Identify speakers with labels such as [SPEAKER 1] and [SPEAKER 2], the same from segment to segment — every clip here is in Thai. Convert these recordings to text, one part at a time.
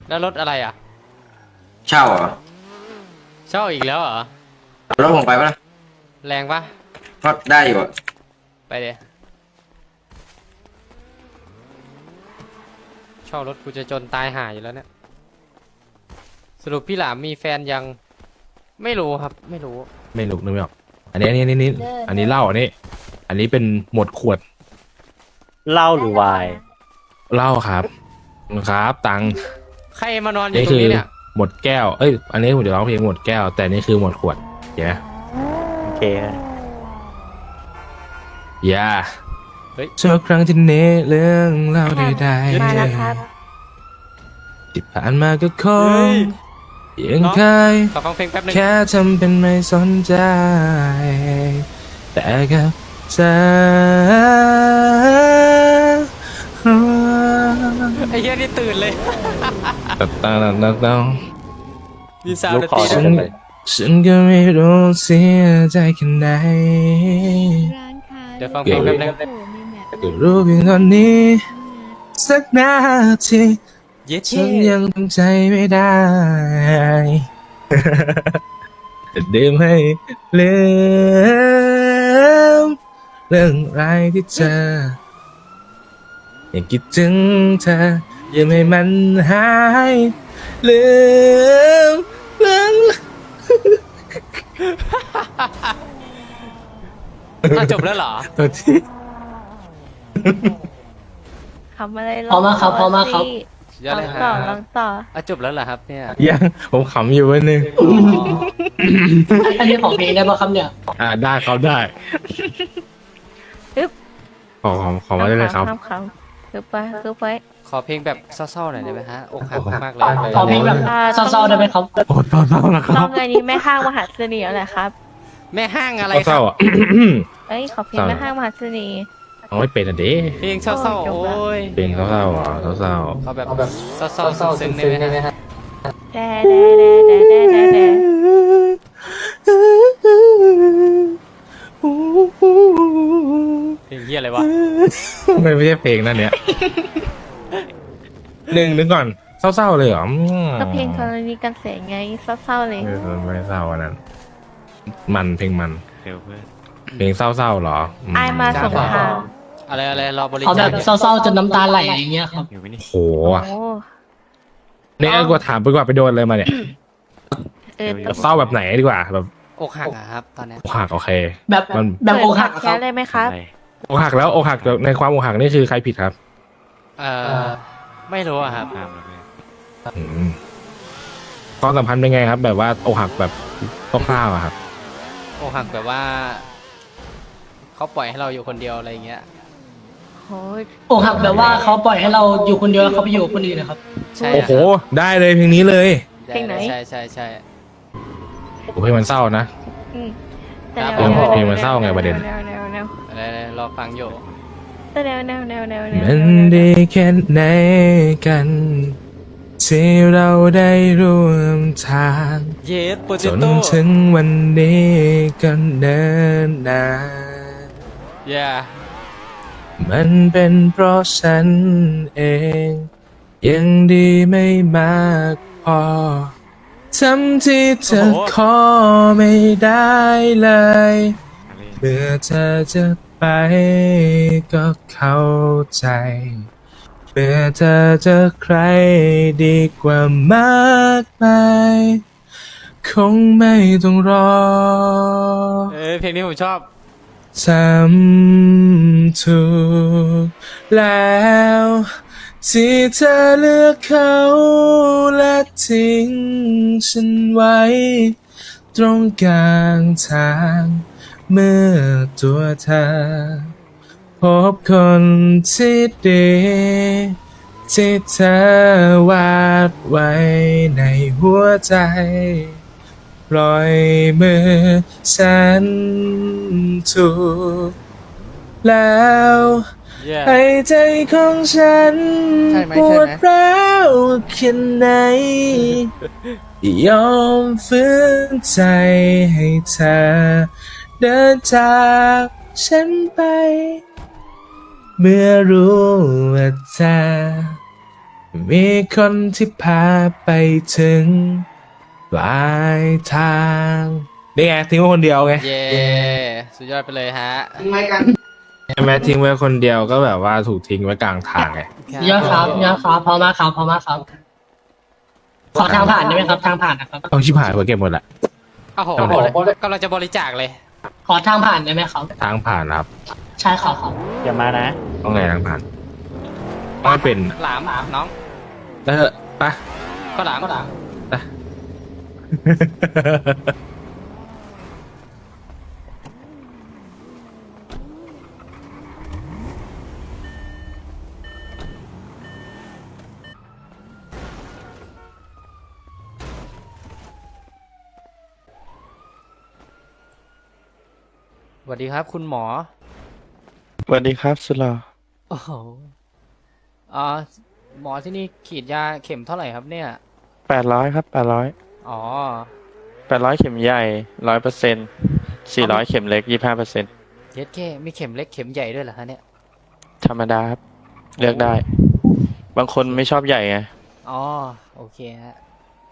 [SPEAKER 1] แล้วรถอะไรอ่ะ
[SPEAKER 2] เช่าเหรอ
[SPEAKER 1] เช่าอีกแล้วเหรอ
[SPEAKER 2] รถผมไปปะล่ะ
[SPEAKER 1] แรงปะ
[SPEAKER 2] ก็ได้อยู่อะ
[SPEAKER 1] ไปเดี๋ยวเช่ารถกูจะจนตายห่าอยู่แล้วเนี่ยสรุปพี่หลามมีแฟนยังไม่รู้ครับไม่รู้
[SPEAKER 3] ไม่รู้นึกไม่ออกอันนี้อันนี้เหล้าอันนี้เป็นหมดขวด
[SPEAKER 4] เหล้าหรือไวน์
[SPEAKER 3] เหล้าครับครับตังค์
[SPEAKER 1] ใครมานอนอยู่
[SPEAKER 3] นี่คือ
[SPEAKER 1] ตรงนี้เนี่ย
[SPEAKER 3] หมดแก้วเอ้ยอันนี้ผมจะร้องเพลงหมดแก้วแต่นี่คือหมดขวดเห็นไหม
[SPEAKER 4] โอเค
[SPEAKER 3] อย่า
[SPEAKER 1] เฮ้ย
[SPEAKER 3] ชั่วครั้งที่เน้เรื่องเล่าใดๆ
[SPEAKER 5] มาแล้วครับ
[SPEAKER 3] ที่ผ่านมาก็ค
[SPEAKER 1] เฮ้
[SPEAKER 3] ง
[SPEAKER 1] ย
[SPEAKER 3] ยังเคย
[SPEAKER 1] ขอฟังเพลงแป๊บนึง
[SPEAKER 3] แค่ทำเป็นไม่สนใจแต่กับเธอ
[SPEAKER 1] ไอ้เหี้ยนี่ตื่นเลย
[SPEAKER 3] ตัง
[SPEAKER 1] มีซาว
[SPEAKER 4] ลู
[SPEAKER 1] ด์
[SPEAKER 4] ก
[SPEAKER 1] ดน
[SPEAKER 4] คอ
[SPEAKER 1] ตรี
[SPEAKER 4] จะ
[SPEAKER 1] ด้วย
[SPEAKER 4] เป็นไร
[SPEAKER 3] ฉันก็ไม่รู้เสียใจแค่ไหน
[SPEAKER 5] ร้านค้า
[SPEAKER 1] เดี๋ยวฟังเพลงแป๊บนึง
[SPEAKER 5] โอ้โหมีแมป
[SPEAKER 3] ก็รู้เพียงตอนนี้ สักนาที
[SPEAKER 1] เย็ด
[SPEAKER 3] ฉั
[SPEAKER 1] เช่
[SPEAKER 3] นยังทำใจไม่ได้จะดื่มให้ลืมเรื่องรายที่เจอยังคิดถึงเธอยังให้มันหายลืมเรื่อง
[SPEAKER 1] จบแล้วเหรอ
[SPEAKER 3] ตัวที่
[SPEAKER 5] ทำอะไร
[SPEAKER 6] พร้อมมากครับพร้อมมากครับ
[SPEAKER 1] ยอดเลย
[SPEAKER 5] ล
[SPEAKER 1] ฮะ
[SPEAKER 5] องต่อ
[SPEAKER 1] จบแล้วเหรอครับเนี่ย
[SPEAKER 3] ยังผมขำอยู่วันนึง
[SPEAKER 6] อันนี้ของเพลงได้ป่ะครับเนี่ย
[SPEAKER 3] ได้เขาได้
[SPEAKER 5] อึ๊บ
[SPEAKER 3] ขอมาได้เลยครับ
[SPEAKER 5] คำคือไปคือไป
[SPEAKER 1] ขอเพลงแบบเศร้าๆหน่อยได้ไหมฮะอกหักมากๆเลย
[SPEAKER 6] ขอเพลงแบบเศร้าๆได้ไหมครับ
[SPEAKER 3] โอ้เศร้าๆนะค
[SPEAKER 5] ต้
[SPEAKER 3] รั
[SPEAKER 5] อบ งอันนี้แม่ห้างมหาเสน่ห์แหละครับ
[SPEAKER 1] แม่ห้างอะไรค
[SPEAKER 3] เศ
[SPEAKER 1] รั
[SPEAKER 3] ร้า
[SPEAKER 1] บ
[SPEAKER 3] ๆอ่ะ
[SPEAKER 5] เอ้ยขอเพลง
[SPEAKER 3] เศร้า
[SPEAKER 5] แม่ห้างมหาเสน่ห์
[SPEAKER 3] เอาไม่เป็นอ่ะเด้
[SPEAKER 1] เพลงเศร้าๆ
[SPEAKER 5] โอ้
[SPEAKER 1] โอ้ย
[SPEAKER 3] เพลงเศร้าๆอ่ะเศร้า
[SPEAKER 1] เขาแบบเศร้าๆซึ้งๆได้ไหมฮะ
[SPEAKER 5] แด่แด่แด่แด่แด่แด่แด่
[SPEAKER 1] เพลงเฮียอะไรวะ
[SPEAKER 3] ๆไม่ใช่เพลงนั่นเนี่ยนึกก่อนเศร้าๆเลยเหรอ
[SPEAKER 5] ก็เพลงกรณีกันแสงไงเศร้าๆเลย
[SPEAKER 3] ไม่เศร้าอันนั้นมันเพลงมัน
[SPEAKER 4] เร็วเพื่อน
[SPEAKER 3] เพลงเศร้าๆเหรอ
[SPEAKER 5] ไอายมาสงคราม
[SPEAKER 1] อะไรรอบริ
[SPEAKER 6] เอาแบ
[SPEAKER 1] จา
[SPEAKER 6] บ
[SPEAKER 1] ค
[SPEAKER 6] เศร้าๆจนน้ำตาไหลอย่างเงี้ยครับ
[SPEAKER 4] อยู่ไหมนี่
[SPEAKER 3] โห
[SPEAKER 5] โอ้
[SPEAKER 3] เนี่ยกว่าถามไปกว่าไปโดนเลยมาเนี่ย
[SPEAKER 5] เออ
[SPEAKER 3] เศร้าแบบไหนดีกว่าแบบ
[SPEAKER 1] อกหักอะครับตอนเนี้ย
[SPEAKER 3] อกหักโอเค
[SPEAKER 6] แบบ
[SPEAKER 3] มัน
[SPEAKER 6] แบบอกหัก
[SPEAKER 5] แค่เลยไหมครับ
[SPEAKER 4] อะไร
[SPEAKER 3] อกหักแล้วอกหักในความอกหักนี่คือใครผิดครับ
[SPEAKER 1] ไม่รู้อะครับ
[SPEAKER 4] ห้ามแล้วเพื่อน
[SPEAKER 3] อืมความสัมพันธ์เป็นไงครับ แบบว่าอกหักแบบคร่าวๆอะครับ
[SPEAKER 1] อกหักแบบว่าเขาปล่อยให้เราอยู่คนเดียวอะไรอย่างเงี้ย
[SPEAKER 5] โอ้ย
[SPEAKER 6] อกหักแบบว่าเขาปล่อยให้เราอยู่คนเดียวแล้วเขาไปอยู่กับคนอื่นนะครับ
[SPEAKER 1] ใช่
[SPEAKER 3] โอ้โห ได้เลยเพลงนี้เลย
[SPEAKER 1] ใช่ใช่
[SPEAKER 3] โอ้เพลงมันเศร้านะ
[SPEAKER 5] อืม
[SPEAKER 1] ครับ
[SPEAKER 3] เพลงมันเศร้าไงประเด็น
[SPEAKER 5] แนวแนวแนว
[SPEAKER 1] อะไรรอฟังอยู่
[SPEAKER 5] แนวแนวแนวแนวแนว
[SPEAKER 3] มันดีแค่ไหนกัน ที่เราได้ร่วมทาง
[SPEAKER 1] เยสโปเต
[SPEAKER 3] จน
[SPEAKER 1] โต้
[SPEAKER 3] ถึงวันนี้ก็เนิ่นนาน
[SPEAKER 1] ย่า
[SPEAKER 3] มันเป็นเพราะฉันเอง ยังดีไม่มากพอทำที่เธอขอไม่ได้เลย
[SPEAKER 4] อะไร
[SPEAKER 3] เมื่อเธอจะไปก็เข้าใจ เมื่อเธอเจอใครดีกว่ามากมายคงไม่ต้องรอ
[SPEAKER 1] เพลงนี้ผมชอบ
[SPEAKER 3] ทำถูกแล้วที่เธอเลือกเขาและทิ้งฉันไว้ ตรงกลางทางเมื่อตัวเธอ พบคนที่ดีที่เธอวาดไว้ในหัวใจปล่อยมือฉันถูกแล้ว
[SPEAKER 1] yeah
[SPEAKER 3] ให้ใจของฉัน
[SPEAKER 1] ใช่ไหม
[SPEAKER 3] ปวดร้าวแค่ไหน ยอมฝืนใจให้เธอเดินจากฉันไป เมื่อรู้ว่าเธอมีคนที่พาไปถึงปลายทางนี่ไงทิ้งไว้คนเดียวไง
[SPEAKER 1] เย้สุดยอดไปเลยฮะ
[SPEAKER 3] ใช่ไหมทิ้งไว้คนเดียวก็แบบว่าถูกทิ้งไว้กลางทางไง
[SPEAKER 6] เยอะครับเยอะครับพอมากครับพอมากครับ ขอทางผ่านได้ไหมครับ ทางผ่านนะครับ
[SPEAKER 3] เอาชิบหายไปเก็บหมดละ
[SPEAKER 1] โอ้โหกำลังจะบริจาคเลย
[SPEAKER 6] ขอทางผ่านได้ไหมครับ
[SPEAKER 3] ทางผ่านครับ
[SPEAKER 6] ใช่ครับครับ
[SPEAKER 4] อย่ามานะ
[SPEAKER 3] ต้องไงทางผ่านไม่เป็น
[SPEAKER 1] หลามน้อง
[SPEAKER 3] แล้วเถอะไป
[SPEAKER 1] ก็หลาม
[SPEAKER 3] ไป
[SPEAKER 1] สวัสดีครับคุณหมอ
[SPEAKER 7] สวัสดีครับสุลา
[SPEAKER 1] โอ้โหหมอที่นี่ฉีดยาเข็มเท่าไหร่ครับเนี่ย
[SPEAKER 7] 800ครับ800
[SPEAKER 1] อ๋อ
[SPEAKER 7] 800เข็มใหญ่100% 400เข็มเล็ก25%
[SPEAKER 1] เย็ดแค่มีเข็มเล็กเข็มใหญ่ด้วยเหรอฮะเนี่ย
[SPEAKER 7] ธรรมดาครับเลือกได้ บางคนไม่ชอบใหญ่ไง
[SPEAKER 1] อ๋อโอเคฮะ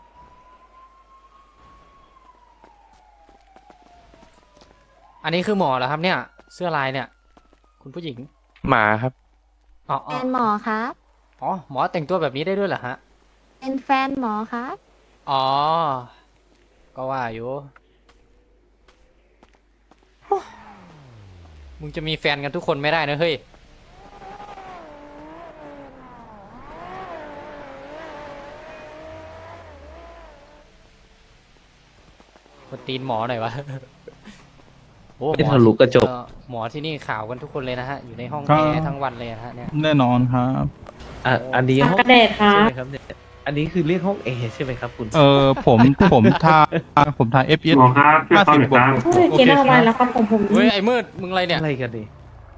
[SPEAKER 1] อันนี้คือหมอเหรอครับเนี่ย เสื้อลายเนี่ย คุณผู้หญิง
[SPEAKER 7] หมาครับ
[SPEAKER 1] อ๋อ
[SPEAKER 5] แฟนหมอครับ
[SPEAKER 1] อ๋อหมอแต่งตัวแบบนี้ได้ด้วยเหรอฮะ
[SPEAKER 5] เป็นแฟนหมอครับ
[SPEAKER 1] อ๋อ ก็ว่าอยู่โอ้มึงจะมีแฟนกันทุกคนไม่ได้นะเฮ้ย มาตีนหมอหน่อยวะ โอ้
[SPEAKER 8] ไม่ทะลุกระจก
[SPEAKER 1] หมอที่นี่ข่าวกันทุกคนเลยนะฮะ อยู่ในห้อง
[SPEAKER 9] ครั
[SPEAKER 1] แอบ ร์ทั้งวันเลยนะฮะเนี่ย
[SPEAKER 9] แน่นอนครับ
[SPEAKER 8] อันนี้ห้อง
[SPEAKER 5] กระเดดครับ
[SPEAKER 8] ใช่ไหมครับเนี่ยอันนี้คือเรียกห้องเอใช่ไหมครับคุณ
[SPEAKER 9] ผมทาFPS 50 บวกโอเคครับ
[SPEAKER 1] เฮ้ย ไอ้มืด มึงอะไรเนี่ย
[SPEAKER 8] อะไรกันดิ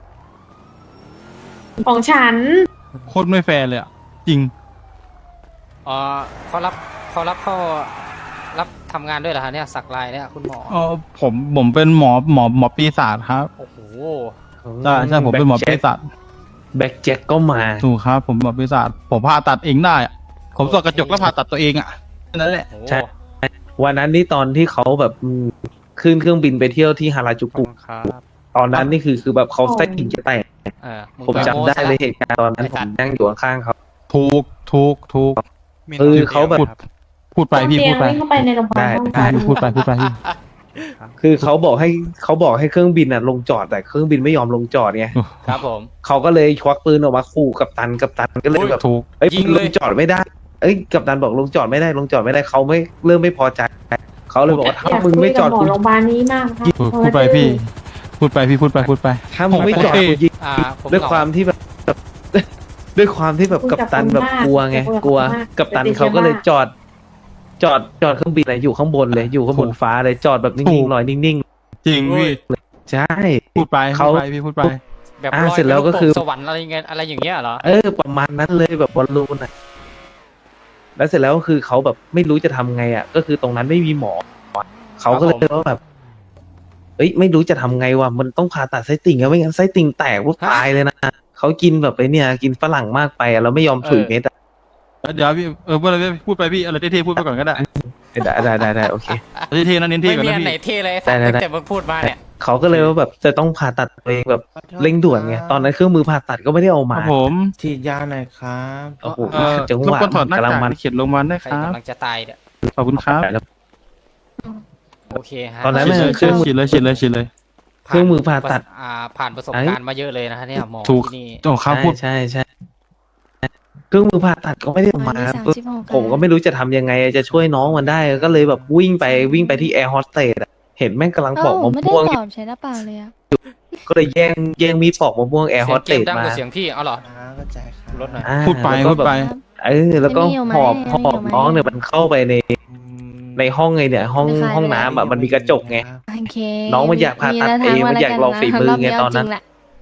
[SPEAKER 5] ของฉัน
[SPEAKER 9] โคตรไม่แฟร์เลยอ่ะ จริง
[SPEAKER 1] อ๋อเขารับรับทำงานด้วยเหรอฮะเนี่ย สักลายเนี่ยคุณหมอ
[SPEAKER 9] ผมเป็นหมอปีศาจครับ
[SPEAKER 1] โอ้โห
[SPEAKER 9] ใช่ผมเป็นหมอปีศาจ
[SPEAKER 8] แบ็คแจ็คก็มา
[SPEAKER 9] ถูกครับ ผมหมอปีศาจผมผ่าตัดเองได้อะผมส่องกระจกแล้วผ่าตัดตัวเองอ่ะนั่นแหละ
[SPEAKER 1] โอ้
[SPEAKER 8] ใช่ วันนั้นนี่ตอนที่เขาแบบขึ้นเครื่องบินไปเที่ยวที่ฮาราจู
[SPEAKER 1] ขอบ
[SPEAKER 8] กุ
[SPEAKER 1] คุณครับ
[SPEAKER 8] ตอนนั้นนี่คือแบบเขาไส้ติ่งจะแตก
[SPEAKER 1] มึง
[SPEAKER 8] ผม
[SPEAKER 1] ก็
[SPEAKER 8] จำได้
[SPEAKER 1] โม้ซะ
[SPEAKER 8] เลยเหตุการณ์ตอนนั้น
[SPEAKER 1] ไอ้
[SPEAKER 8] ผ
[SPEAKER 1] สัต
[SPEAKER 8] ม
[SPEAKER 1] ว์
[SPEAKER 8] นั่งอยู่ข้างๆเขา
[SPEAKER 9] ถูก
[SPEAKER 8] เขาแบบ
[SPEAKER 9] พูดไปพี่พูดไป
[SPEAKER 5] เข้าไปในโรงพยาบาลห้อง
[SPEAKER 9] ได้พูดไปพี่
[SPEAKER 8] คือเขาบอกให้เครื่องบินอ่ะลงจอดแต่เครื่องบินไม่ยอมลงจอดไง
[SPEAKER 1] ครับผม
[SPEAKER 8] เขาก็เลยควักปืนออกมาขู่กัปตันก็เลยแบบ
[SPEAKER 9] ถูก
[SPEAKER 8] เอ้ย
[SPEAKER 1] ยิง
[SPEAKER 8] ล
[SPEAKER 1] เลย
[SPEAKER 8] งจอดไม่ได้ เอ้ยกัปตันบอกลงจอดไม่ได้เขาไม่เริ่มไม่พอใจเขาเลยบอกว่าถ้ามึงไม่จอดกู
[SPEAKER 5] โรงพยาบาลนี้มากครับ
[SPEAKER 9] พูดไปพี่พูดไป
[SPEAKER 8] ถ้ามึงไม่จอด
[SPEAKER 9] โอเค
[SPEAKER 8] กูยิง
[SPEAKER 1] ผม
[SPEAKER 8] ด้วยความที่แบบ ด้วยความที่แบบกัปตันแบบกลัวไงกลัวกัปตันเขาก็เลยจอดเครื่องบินอะไรอยู่ข้างบนเลยอยู่ข้างบนฟ้าเลยจอดแบบนิ่งๆลอยนิ่ง
[SPEAKER 9] จริงพี่
[SPEAKER 8] ๆใช่
[SPEAKER 9] พูดไป
[SPEAKER 8] เขา
[SPEAKER 9] พี่พูดไป
[SPEAKER 1] แบบ
[SPEAKER 8] อ่า
[SPEAKER 1] ลอย
[SPEAKER 8] เสร็จแล้วก็
[SPEAKER 1] ไป
[SPEAKER 8] คือ
[SPEAKER 1] ตสวรรค์อะไรเงี้ยอะไรอย่างเงี้ยเหรอ
[SPEAKER 8] ประมาณนั้นเลยแบบบอลลูนอ่ะแล้วเสร็จแล้วก็คือเขาแบบไม่รู้จะทำไงอ่ะก็คือตรงนั้นไม่มีหมอเขาก็เลยว่าแบบ เอ้ยไม่รู้จะทำไงวะมันต้องผ่าตัดไส้ติ่งอะไม่งั้นไส้ติ่งแตกปุ๊บตายเลยนะเขากินแบบไอ้เนี่ยกินฝรั่งมากไปอะแล้วไม่ยอมถุยเม็ดอะ
[SPEAKER 9] เดี๋ยวพี่พูดไปพี่อะไรเท่ๆพูดไปก่อนก็ได้
[SPEAKER 8] ได้โอเค
[SPEAKER 9] เท่ๆนะเน้นเท่
[SPEAKER 1] ไม่
[SPEAKER 9] ก่อน
[SPEAKER 1] มี
[SPEAKER 9] นะ
[SPEAKER 1] อันไหน
[SPEAKER 9] พี่
[SPEAKER 1] เท่เลยสัตว์
[SPEAKER 8] ได้
[SPEAKER 1] ตั้งแต่มึงพูดมาเนี่ย
[SPEAKER 8] เขาก็เลยว่าแบบจะต้องผ่าตัดตัวเองแบบเร่งด่วนไงตอนนั้นเครื่องมือผ่าตัดก็ไม่ได้เอา
[SPEAKER 9] ค
[SPEAKER 8] มา
[SPEAKER 9] รับผม
[SPEAKER 3] ฉีดยาหน่อยครับ
[SPEAKER 8] โอ้โห
[SPEAKER 9] ร
[SPEAKER 8] จัง
[SPEAKER 9] บ
[SPEAKER 8] หวะ
[SPEAKER 9] กวนถอดหน้ากาก
[SPEAKER 8] ำลังมัน
[SPEAKER 9] เขียนลงมาได้
[SPEAKER 1] ใคร
[SPEAKER 9] ครับ
[SPEAKER 1] กำลังจะตายเนี่ย
[SPEAKER 9] ขอบคุณครับ
[SPEAKER 1] โอเคฮะ
[SPEAKER 8] ตอนนั้น
[SPEAKER 9] ฉีด
[SPEAKER 8] น่ะ
[SPEAKER 9] เลย
[SPEAKER 8] เครื่องมือ
[SPEAKER 9] ฉีดเลย
[SPEAKER 8] เครื่องมือผ่าตัด
[SPEAKER 1] ผ่านประสบการณ์มาเยอะเลยนะฮะเนี่ยหมอ
[SPEAKER 9] ถูก
[SPEAKER 1] ที่นี่
[SPEAKER 9] โอ้ครับพูด
[SPEAKER 8] ใช่เครื่องมือผ่าตัดก็ไม่ได้เอามา ผมก็ไม่รู้จะทำยังไงจะช่วยน้องมันได้ก็เลยแบบวิ่งไปที่แอร์โฮสเตสเห็นแม่งกำลังปอกมะ
[SPEAKER 5] ไม่ได้
[SPEAKER 8] ม่วง
[SPEAKER 5] ตอบใช้หน้าเปล่าเลยอะ
[SPEAKER 8] ก็เลยแย่งมีดปอกมะม่วงแอร์โฮ
[SPEAKER 1] เสียง
[SPEAKER 8] ส เตส
[SPEAKER 1] เกมดัง
[SPEAKER 8] มาก
[SPEAKER 1] ว่าเสียงพี่เอาเหรอ
[SPEAKER 3] เข้าใจครับ
[SPEAKER 1] ลดหน่อย
[SPEAKER 9] พูดไป
[SPEAKER 8] แล้วก็แบบ แล้วก็
[SPEAKER 5] ไม่มีอยู่ไหม
[SPEAKER 8] หอบ
[SPEAKER 5] ไม่มีอยู่ไหม
[SPEAKER 8] น้องเนี่ยมันเข้าไปในห้องไงเนี่ยห้องน้ำอ่ะมันมีกระจกไง
[SPEAKER 5] โอเค
[SPEAKER 8] น้องมันอยากผ่าตัดเองมันอยากลองฝีมือไงตอนนั้น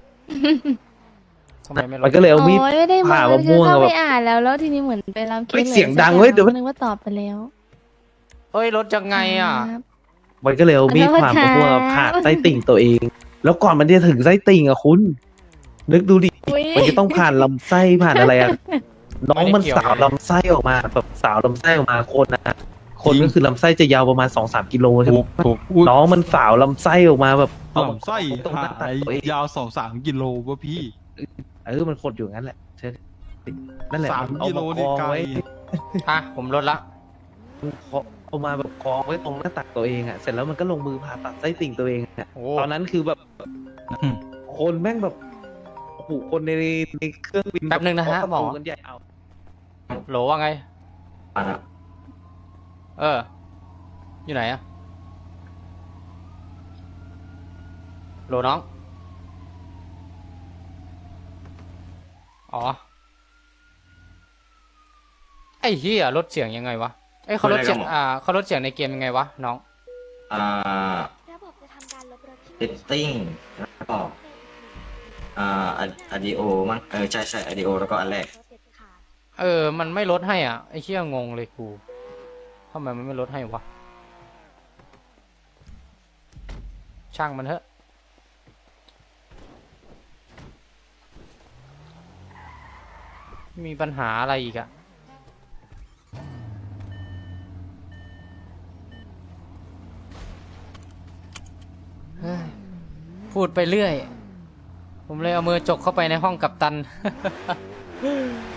[SPEAKER 1] ทำไมไม่ล
[SPEAKER 8] มัน
[SPEAKER 1] ด
[SPEAKER 8] ก็เลยเอามีด
[SPEAKER 5] โอ้ยไม่ได้
[SPEAKER 8] ผ่ามะม่
[SPEAKER 5] คือ
[SPEAKER 8] วง
[SPEAKER 5] เข้า
[SPEAKER 8] อะ
[SPEAKER 5] ไป
[SPEAKER 8] แบบ
[SPEAKER 5] อ่านแล้วทีนี้เหมือนไปรับเค
[SPEAKER 8] เฮ้ย
[SPEAKER 5] ส
[SPEAKER 8] เสียงดังเว้ยเดี๋ยว
[SPEAKER 5] นึกว่าตอบไปแล้ว
[SPEAKER 1] เอ้ยลดยังไงอ่ะ
[SPEAKER 5] ครับ
[SPEAKER 8] มันก็เลยเอามีดผ่ามะม่วงอะผ่าไส้ติ่งตัวเอง แล้วก่อนมันจะถึงไส้ติ่งอ่ะคุณนึกดูดิ
[SPEAKER 5] อุ๊ย
[SPEAKER 8] มันจะต้องผ่านลำไส้ผ่านอะไรอ่ะน้องมัน
[SPEAKER 1] ไได้เกี่ยว
[SPEAKER 8] สาวลำไส้ออกมาแบบสาวลำไส้ออกมาคนนะคนก็คือลำไส้จะยาวประมาณ2-3 กิโลใช่ไห
[SPEAKER 9] ถู
[SPEAKER 8] ม
[SPEAKER 9] กถูกอุ๊ย
[SPEAKER 8] น้องมันสาวลำไส้ออกมาแบบเอามา
[SPEAKER 9] ลำไส้
[SPEAKER 8] ตรงหน้าตั
[SPEAKER 9] หาก ย
[SPEAKER 8] ตัวเอง
[SPEAKER 9] ยาว2-3 กิโลวะพี่
[SPEAKER 8] มันขดอยู่งั้นแหละเช่นั่นแหละ
[SPEAKER 9] 3
[SPEAKER 8] เอา
[SPEAKER 9] กิโล
[SPEAKER 8] มาค
[SPEAKER 9] นี่
[SPEAKER 8] ล้อง
[SPEAKER 9] ไกล
[SPEAKER 8] ไว้
[SPEAKER 1] อ่ะผมลดละ
[SPEAKER 8] เอามาแบบคล้องไว้ตรงหน้าตักตัวเองอ่ะเสร็จแล้วมันก็ลงมือผ่าตัดไส้ติ่งตัวเองอ่ะ
[SPEAKER 1] โอ้
[SPEAKER 8] ตอนนั้นคือแบบ
[SPEAKER 9] อืม
[SPEAKER 8] คนแม่งแบบโอ้โหคนในเครื่องบิน
[SPEAKER 1] แป๊บนึงนะฮะ
[SPEAKER 8] เคา
[SPEAKER 1] หมอ
[SPEAKER 8] ประตูกันใหญ่เอา
[SPEAKER 1] โหลว่าไง
[SPEAKER 2] มาแล้ว
[SPEAKER 1] เออ อยู่ไหนอะโหลน้อง อ๋อ ไอ้เหี้ยลดเสียงยังไงวะเอ้ยเขาลดเสียงเขาลดเสียงในเกมยังไงวะน้อง
[SPEAKER 2] อ่า
[SPEAKER 5] ระบบจะทำการลบรถที่
[SPEAKER 2] เซตติ้งแล้วก็อะดีโอมั้งใช่ใช่อะดีโอแล้วก็อันแรก
[SPEAKER 1] มันไม่ลดให้อ่ะ ไอ้เหี้ยงงเลยกูทำไมมันไม่ลดให้วะ ช่างมันเถอะ มีปัญหาอะไรอีกอะเฮ้ยพูดไปเรื่อย ผมเลยเอามือจกเข้าไปในห้องกัปตัน